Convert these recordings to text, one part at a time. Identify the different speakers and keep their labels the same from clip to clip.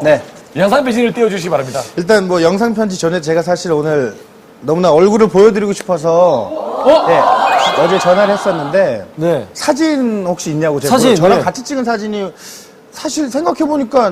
Speaker 1: 네.
Speaker 2: 영상 편지를 띄워주시기 바랍니다.
Speaker 1: 일단 뭐 영상 편지 전에 제가 사실 오늘 너무나 얼굴을 보여드리고 싶어서 네, 어제 전화를 했었는데
Speaker 2: 네.
Speaker 1: 사진 혹시 있냐고 제가
Speaker 2: 사진,
Speaker 1: 저랑
Speaker 2: 네.
Speaker 1: 같이 찍은 사진이 사실 생각해보니까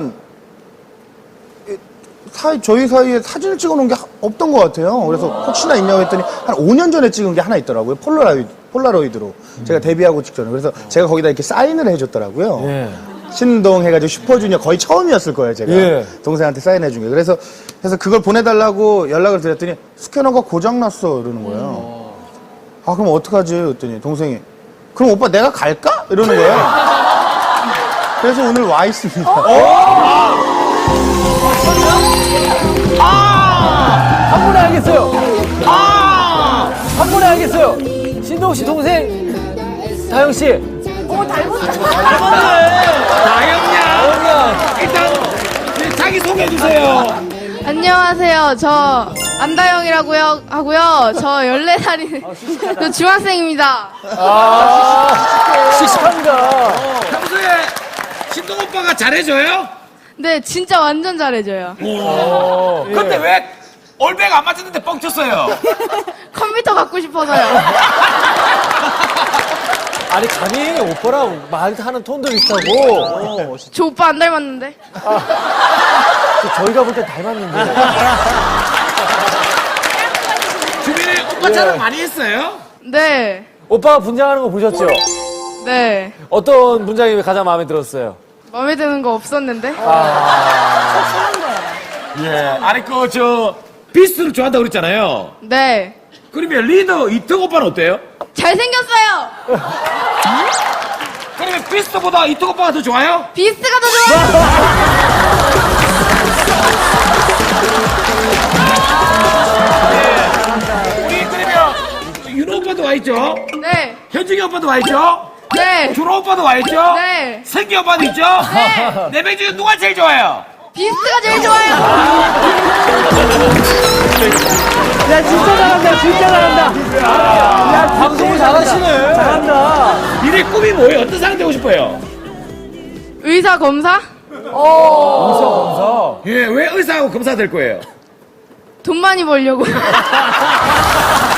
Speaker 1: 저희 사이에 사진을 찍어놓은 게 없던 것 같아요. 그래서 혹시나 있냐고 했더니 한 5년 전에 찍은 게 하나 있더라고요. 폴라로이드로 제가 데뷔하고 직전에. 그래서 제가 거기다 이렇게 사인을 해줬더라고요.
Speaker 2: 예.
Speaker 1: 신동 해가지고 슈퍼주니어 거의 처음이었을 거예요, 제가.
Speaker 2: 예.
Speaker 1: 동생한테 사인해준 게. 그래서 그걸 보내달라고 연락을 드렸더니 스캐너가 고장났어, 이러는 거예요. 아, 그럼 어떡하지? 그랬더니 동생이 그럼 오빠 내가 갈까? 이러는 거예요. 그래서 오늘 와 있습니다.
Speaker 2: 한 번에 알겠어요. 한 번에 알겠어요. 신동 씨 동생 다영 씨.
Speaker 3: 다영양 일단 자기 소개해 주세요.
Speaker 4: 안녕하세요. 저 안다영이라고요 하고요. 저 14살인 저 중학생입니다.
Speaker 2: 씩씩합니다.
Speaker 3: 평소에 신동 오빠가 잘해줘요?
Speaker 4: 네, 진짜 완전 잘해줘요.
Speaker 3: 근데 왜 올백 안 맞았는데 뻥쳤어요?
Speaker 4: 컴퓨터 갖고 싶어서요.
Speaker 2: 아니 감히 오빠랑 말하는 톤도 비슷하고
Speaker 4: 저 오빠 안 닮았는데?
Speaker 2: 저희가 볼 땐 닮았는데.
Speaker 3: 주민이 오빠 자랑 많이 했어요?
Speaker 4: 네.
Speaker 2: 오빠가 분장하는 거 보셨죠?
Speaker 4: 네.
Speaker 2: 어떤 분장이 가장 마음에 들었어요?
Speaker 4: 마음에 드는 거 없었는데?
Speaker 3: 예. 아니 비스트를 좋아한다고 그랬잖아요.
Speaker 4: 네.
Speaker 3: 그러면 리더 이특 오빠는 어때요?
Speaker 4: 잘생겼어요.
Speaker 3: 그러면 비스트보다 이특 오빠가 더 좋아요?
Speaker 4: 비스트가 더 좋아요.
Speaker 3: 우리 그러면 윤호 오빠도 와 있죠?
Speaker 4: 네.
Speaker 3: 현중이 오빠도 와 있죠?
Speaker 4: 네.
Speaker 3: 준호 오빠도 와 있죠?
Speaker 4: 네.
Speaker 3: 생기 오빠도 있죠?
Speaker 4: 네.
Speaker 3: 네 명 중에 누가 제일 좋아요?
Speaker 4: 비스트가 제일 좋아요.
Speaker 2: 야 진짜 잘한다. 진짜 잘한다. 야 방송을 잘하시네. 잘한다.
Speaker 3: 니네 꿈이 뭐예요? 어떤 사람 되고 싶어요?
Speaker 4: 의사 검사?
Speaker 2: 의사 검사.
Speaker 3: 예, 왜 의사하고 검사 될 거예요?
Speaker 4: 돈 많이 벌려고.